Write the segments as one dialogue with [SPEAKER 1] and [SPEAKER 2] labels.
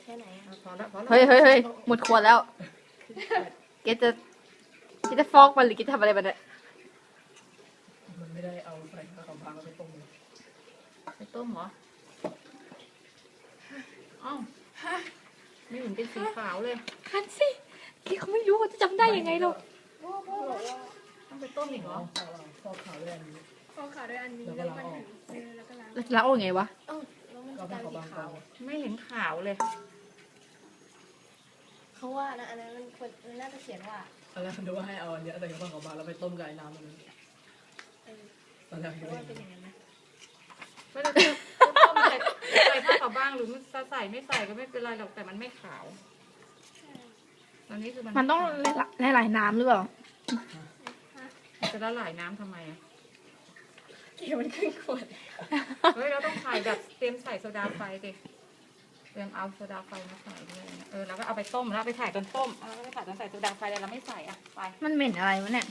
[SPEAKER 1] ค่ไหนอะ
[SPEAKER 2] พอแล้วพอแล้ว
[SPEAKER 3] เฮ้ยเฮ้ยเฮ้ยหมดขวดแล้วแกจะฟอกมันหรือแกจะทำอะไรมันเนี่ย
[SPEAKER 4] มันไม่ได้เอาใส่ข้าวบางแล้วไปต้มเลย
[SPEAKER 2] ไปต้มเหรออ้าวไม่เห็นเป็นสีขาวเลย
[SPEAKER 3] คันสิแกเขาไม่รู้เขาจะจำได้ยังไงหรอก
[SPEAKER 2] ต้องไปต้มอีกเหรอ
[SPEAKER 4] ฟอกขาวด้วยอันนี้
[SPEAKER 1] ฟอกขาวด้วยอันนี้แล้วมันถึงแล้วก็ล้าง
[SPEAKER 3] แล้วเอาไงวะ
[SPEAKER 1] เอ้าแล้วมัน
[SPEAKER 4] ก็
[SPEAKER 1] จะ
[SPEAKER 4] เป็น
[SPEAKER 1] กลาย
[SPEAKER 4] ขาว
[SPEAKER 1] เป็นสี
[SPEAKER 4] บาง
[SPEAKER 1] ขาว
[SPEAKER 2] ไม่เห็นขาวเลย
[SPEAKER 1] เขาว่านะอันนั้นมันควรมันน่าจะเขียนว่า
[SPEAKER 4] ตอนแรกคิดว่าให้เอาอันเนี้ยใส่ข้าวบางแล้วไปต้มกับไอ้น้ำมัน
[SPEAKER 1] เออ
[SPEAKER 4] ตอนแรก
[SPEAKER 1] เพ
[SPEAKER 4] คิด
[SPEAKER 1] ราะ
[SPEAKER 4] ว่า
[SPEAKER 1] ว่าเป็นอย่างนั้นนะ
[SPEAKER 2] ก็จะต้มใส่ผ้าขาวบ้างหรือมันจะใส่ไม่ใส่ก็ไม่เป็นไรหรอกแต่มันไม่ขาวตอนนี้คือ
[SPEAKER 3] มันต้องหลายๆน้ำหรือเปล่า
[SPEAKER 2] จะละลายน้ำทำไมอ่ะ
[SPEAKER 1] เกี่ยวมันขึ้นขวด
[SPEAKER 2] เฮ้ยเราต้องถ่ายแบบเตรียมใส่โซดาไฟดิเตรียมเอาโซดาไฟมาใส่ด้วยนะแล้วก็เอาไปต้มแล้วไปถ่ายตอนต้มแล้วก็ไปถ่ายตอนใส่โซดาไฟแต่เราไม่ใส่อ่ะไป
[SPEAKER 3] มันเหม็นอะไรวะเนี่ย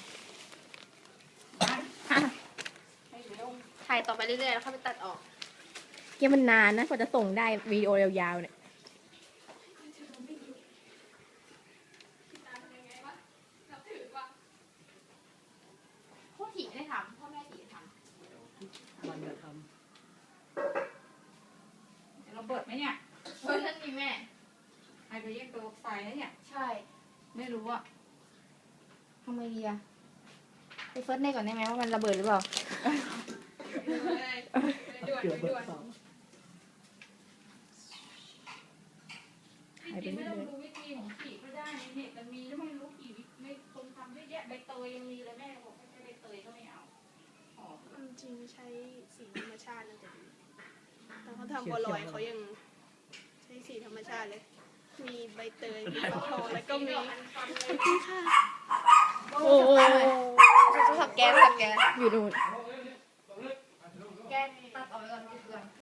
[SPEAKER 2] ให้ดูดม
[SPEAKER 1] ถ่ายต่อไปเรื่อยๆแล้วเข้าไปตัดออก
[SPEAKER 3] แกมันนานนะกว่าจะส่งได้วิดีโอยาวๆเนี่ย
[SPEAKER 1] พ่อถีไม่ได้ทำพ่อแม่ถีท
[SPEAKER 4] มันจะท
[SPEAKER 2] เดี๋ยวเราเปิดไหมเนี่ย
[SPEAKER 1] ำเฮ้ยท่านมีแม่
[SPEAKER 2] ไฮโดรเจนเปอร์ออกไซด์นะเนี่ย
[SPEAKER 1] ใช่
[SPEAKER 2] ไม่รู้อ่ะ
[SPEAKER 3] ทำไมดีอะไปเฟิร์สในก่อนได้ไหมว่ามันระเบิดหรือเปล่า
[SPEAKER 4] ำเกือบเบิดสอง
[SPEAKER 2] จริงๆไม่ต้องดูวิธีของขีดก็ได้ในเน็ตมันมีแล้วไม่รู้กี่วิธีไม่คนทำเยอะแยะใบเตยยังมีเลยแม่บอกไม่ใช่ใบเตยก็ไม่เอาอ๋อ
[SPEAKER 1] จริงใช้สีธรรมชาติน่าจะดีแต่เขาทำบัวลอยเขายังใช้สีธรรมชาติเลย มีใบเตย มีฟักทองแล้วก็มีขอบคุณค่ะ
[SPEAKER 3] โอ้โห
[SPEAKER 1] สับแกน
[SPEAKER 3] อยู่นู่น